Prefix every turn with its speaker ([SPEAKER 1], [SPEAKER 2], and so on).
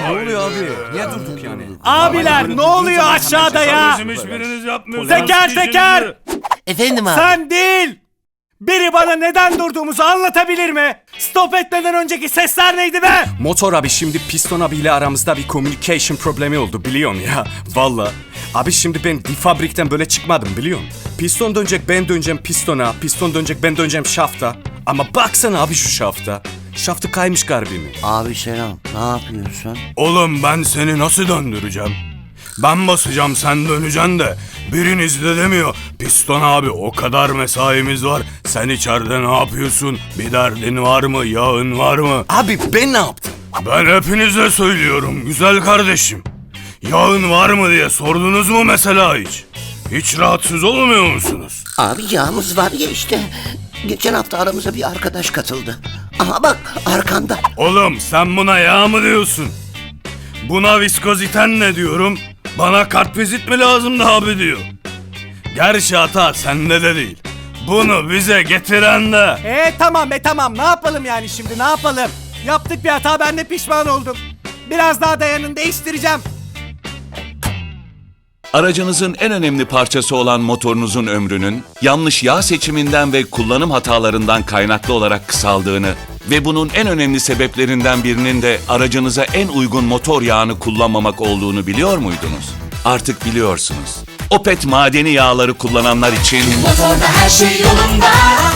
[SPEAKER 1] Ne oluyor abi? Niye durduk yani?
[SPEAKER 2] Abiler ne oluyor aşağıda ya?
[SPEAKER 3] Bizim hiçbiriniz yapmıyorsunuz.
[SPEAKER 2] Teker teker!
[SPEAKER 4] Efendim abi.
[SPEAKER 2] Sen değil! Biri bana neden durduğumuzu anlatabilir mi? Stop etmeden önceki sesler neydi be?
[SPEAKER 1] Motor abi şimdi Piston abiyle aramızda bir communication problemi oldu biliyorsun ya. Valla. Abi şimdi ben bir fabrikten böyle çıkmadım biliyorsun. Piston dönecek ben döneceğim pistona. Piston dönecek ben döneceğim şafta. Ama baksana abi şu şafta. Şaftı kaymış garbimi.
[SPEAKER 4] Abi selam. Ne yapıyorsun?
[SPEAKER 3] Oğlum ben seni nasıl döndüreceğim? Ben basacağım sen döneceksin de biriniz de demiyor. Piston abi o kadar mesaimiz var. Sen içeride ne yapıyorsun? Bir derdin var mı? Yağın var mı?
[SPEAKER 1] Abi ben ne yaptım?
[SPEAKER 3] Ben hepinize söylüyorum güzel kardeşim. Yağın var mı diye sordunuz mu mesela hiç? Hiç rahatsız olmuyor musunuz?
[SPEAKER 4] Abi yağımız var ya işte. Geçen hafta aramıza bir arkadaş katıldı. Aha bak arkanda.
[SPEAKER 3] Oğlum sen buna yağ mı diyorsun? Buna viskoziten ne diyorum? Bana kartvizit mi lazım da abi diyor. Gerçi hata sende de değil. Bunu bize getiren de.
[SPEAKER 2] Tamam ne yapalım yani şimdi ne yapalım? Yaptık bir hata ben de pişman oldum. Biraz daha dayanın değiştireceğim.
[SPEAKER 5] Aracınızın en önemli parçası olan motorunuzun ömrünün yanlış yağ seçiminden ve kullanım hatalarından kaynaklı olarak kısaldığını ve bunun en önemli sebeplerinden birinin de aracınıza en uygun motor yağını kullanmamak olduğunu biliyor muydunuz? Artık biliyorsunuz. Opet madeni yağları kullananlar için
[SPEAKER 6] Motorda her şey yolunda.